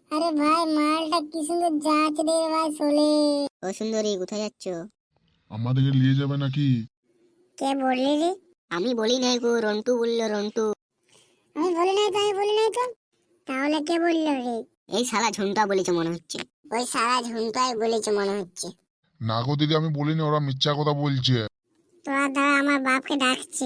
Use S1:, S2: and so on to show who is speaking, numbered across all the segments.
S1: আরে ভাই মালটা কি সুন্দর যাচ্ছে রে ভাই চলে।
S2: ও সুন্দরী, কোথায় যাচ্ছ?
S3: আমাদেরকে নিয়ে যাবে নাকি?
S1: কে বললি রে?
S2: আমি বলি নাই গো, রন্টু বললো, রন্টু।
S1: আমি বলি নাই তো, আমি বলি নাই তো। তাহলে কে বললো রে?
S2: এই শালা ঝুনটা বলেছে মনে হচ্ছে।
S1: ওই সারা ঝুমটাই বলেছে মনে হচ্ছে।
S3: না গো দিদি, আমি বলিনি, ওরা মিথ্যা কথা বলছে।
S1: তোরা দাঁড়া, আমার বাপকে ডাকছে।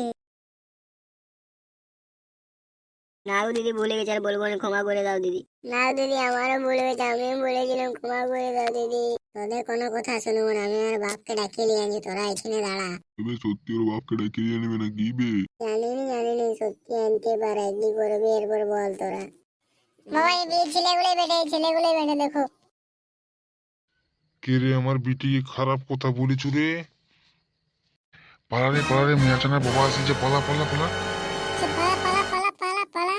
S2: না গো দিদি, ভুলে গেছে, আর বলবো না, ক্ষমা করে দাও দিদি।
S1: না দিদি, আমারও ভুল হয়েছে, আমিও বলেছিলাম, ক্ষমা করে দাও দিদি। তোদের কোনো কথা শুনবো না, আমি আমার বাপকে ডাকিয়ে নিয়ে আনছি, তোরা এখানে দাঁড়া।
S3: এবার সত্যি ওর বাপকে ডেকে নিয়ে নেবে নাকি বে?
S1: জানিনি সত্যি আনতে পারে, কি করবি এরপর বল তোরা। বাবা এই ছেলেগুলোই বেটে, এই ছেলেগুলোই বেটে দেখো।
S3: কে রে আমার বিটিকে খারাপ কথা বলেছু রে? পালা রে, মেয়াচানার বাবা আসছে, পালা পালা পালা।
S1: সে পালা পালা পালা পালা পালা।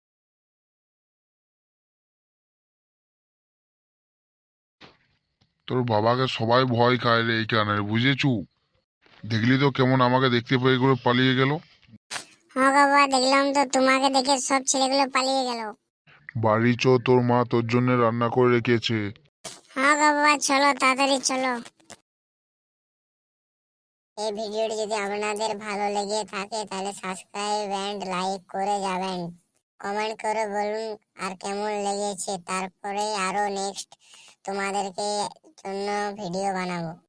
S3: তোর বাবাকে সবাই ভয় খায় রে এইখানে, বুঝেছু? দেখলি তো কেমন আমাকে দেখতে পেয়ে করে পালিয়ে গেল।
S1: হ্যাঁ বাবা, দেখলাম তো, তোমাকে দেখে সব ছেলেগুলো পালিয়ে গেল।
S3: বাড়ি চো, তোর মা তোর জন্য রান্না করে রেখেছে।
S1: হ্যাঁ বাবা, চলো তাড়াতাড়ি চলো। এই ভিডিওটি যদি আপনাদের ভালো লেগে থাকে তাহলে সাবস্ক্রাইব এন্ড লাইক করে যাবেন। কমেন্ট করে বলুন আর কেমন লেগেছে, তারপরে আরো নেক্সট তোমাদেরকে জন্য ভিডিও বানাবো।